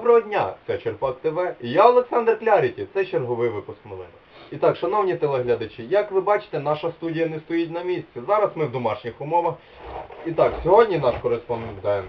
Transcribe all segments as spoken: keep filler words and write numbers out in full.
Доброго дня, це Черпак ТВ, і я Олександр Кляріті, це черговий випуск новин. І так, шановні телеглядачі, як ви бачите, наша студія не стоїть на місці. Зараз ми в домашніх умовах. І так, сьогодні наш кореспондент...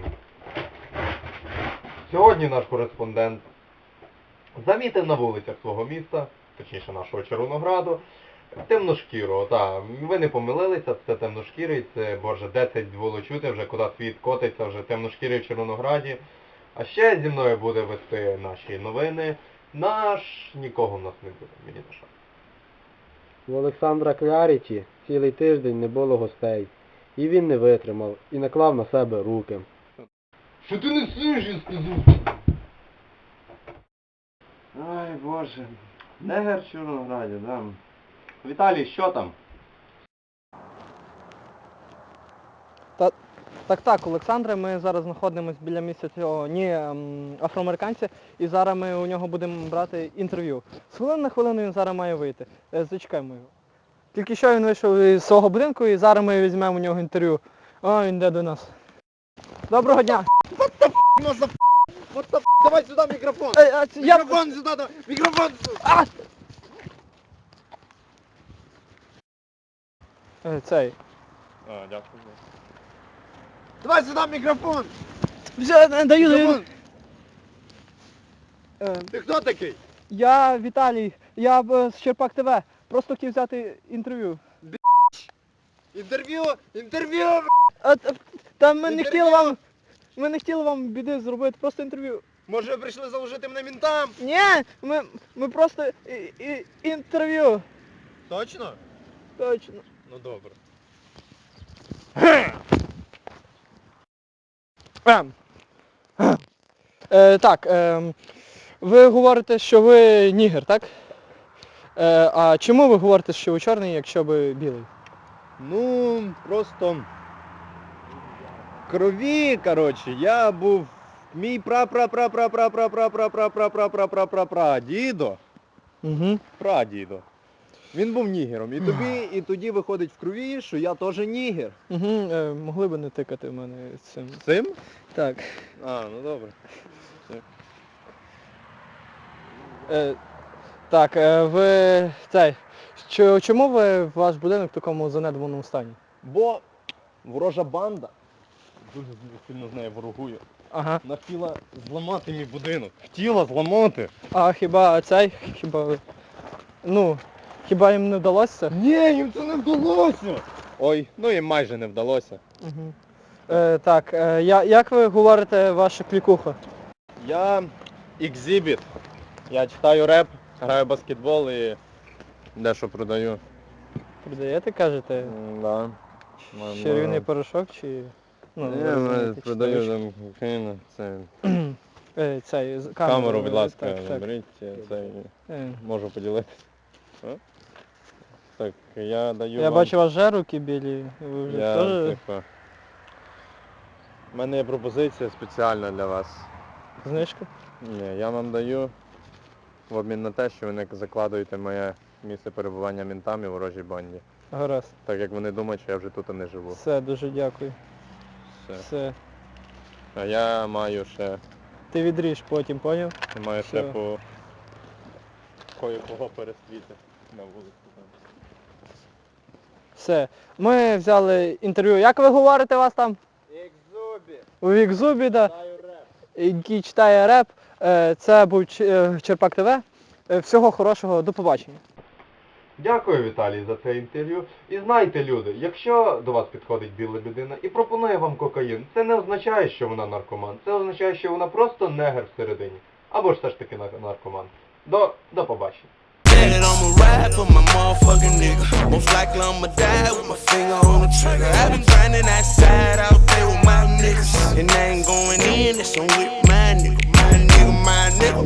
Сьогодні наш кореспондент замітив на вулицях свого міста, точніше нашого Червонограду, темношкірого. Так, ви не помилилися, це темношкірий, це, боже, де це було чути вже, куди світ котиться, вже темношкірий в Червонограді. А ще зі мною буде вести наші новини наш... Нікого в нас не буде, мені на жаль. У Олександра Кляріті цілий тиждень не було гостей. І він не витримав, і наклав на себе руки. Що ти несеш, я сказав? Ай, боже. Негер в Чорнограді, да. Віталій, що там? Та, так, так, Олександре, ми зараз знаходимося біля місця цього ні ем, афроамериканця, і зараз ми у нього будемо брати інтерв'ю. З хвилини на хвилину він зараз має вийти. Е, Зачекаємо його. Тільки що він вийшов із свого будинку, і зараз ми візьмемо у нього інтерв'ю. О, він йде до нас. Доброго дня! What the f***, mother f***? What the f***? Давай сюда микрофон! Е, а, це я... Микрофон сюда, да. Микрофон! А! Е, Цей. А, дякую. Давай сюда микрофон! Вже, не, даю, даю. Микрофон! Е, Ти хто такий? Я Віталій, я е, з Черпак ТВ. Просто хотів взяти інтерв'ю. Інтерв'ю! Інтерв'ю! А, та, та ми не Інтерв'ю! хотіли вам... Ми не хотіли вам біди зробити, просто інтерв'ю. Може ви прийшли заложити мене мінтам? Ні, ми, ми просто і, і, інтерв'ю. Точно? Точно. Ну добре. Ем. Е, так, е, ви говорите, що ви нігер, так? Е, а чому ви говорите, що ви чорний, якщо ви білий? Ну, просто... Крові, коротше, я був... Мій пра-пра-пра-пра-пра-пра-пра-пра-пра-пра-пра-пра-дідо. Угу. Прадідо. Він був нігером. І тобі, і тоді виходить в крові, що я теж нігер. Угу. Е, могли б не тикати в мене цим. Цим? Так. А, ну добре. Е, так, е, ви цей. Чо- Чому ви ваш будинок в такому занедбаному стані? Бо ворожа банда, дуже сильно з нею ворогую, Ага. вона хотіла зламати мій будинок. Хотіла зламати. А хіба цей? Хіба ви. Ну, хіба їм не вдалося? Ні, їм це не вдалося. Ой, ну їм майже не вдалося. Угу. Е, так, е, я, як ви говорите ваша клікуха? Я екзибіт. Я читаю реп, граю баскетбол і дещо продаю. Продаєте, кажете? М, Да. Чарівний порошок чи... Ну, Ні, ви я розумієте, чи продаю точно? там Україну, це Е, цей, з- камеру, камеру, будь е, ласка, так, так. заберіть, це Е, можу поділитися. А? Так, я даю Я вам... бачу, у вас вже руки білі. Ви вже Я, теж типу... У мене є пропозиція спеціальна для вас. знижка? Ні, я вам даю в обмін на те, що ви не закладуєте моє місце перебування мінтам і ворожій банді. Гаразд. Так як вони думають, що я вже тут не живу. Все, дуже дякую. Все. Все. А я маю ще, Ти відріж потім, поняв? я маю ще Все. по кое-кого перестріти на вулиці. Все. Ми взяли інтерв'ю. Як ви говорите вас там? Екзобі, У Вікзубі, да, даю реп. який читає реп. Е, Це був Ч- е, Черпак ТВ. Е, Всього хорошого, до побачення. Дякую, Віталій, за це інтерв'ю. І знайте, люди, якщо до вас підходить біла людина і пропонує вам кокаїн, це не означає, що вона наркоман. Це означає, що вона просто негер всередині. Або ж все ж таки нар- наркоман. До, до побачення. That I'ma ride for my motherfucking nigga. Most likely I'ma die with my finger on the trigger. I've been grinding outside out there with my niggas. And I ain't going in, it's on with my nigga. My nigga, my nigga.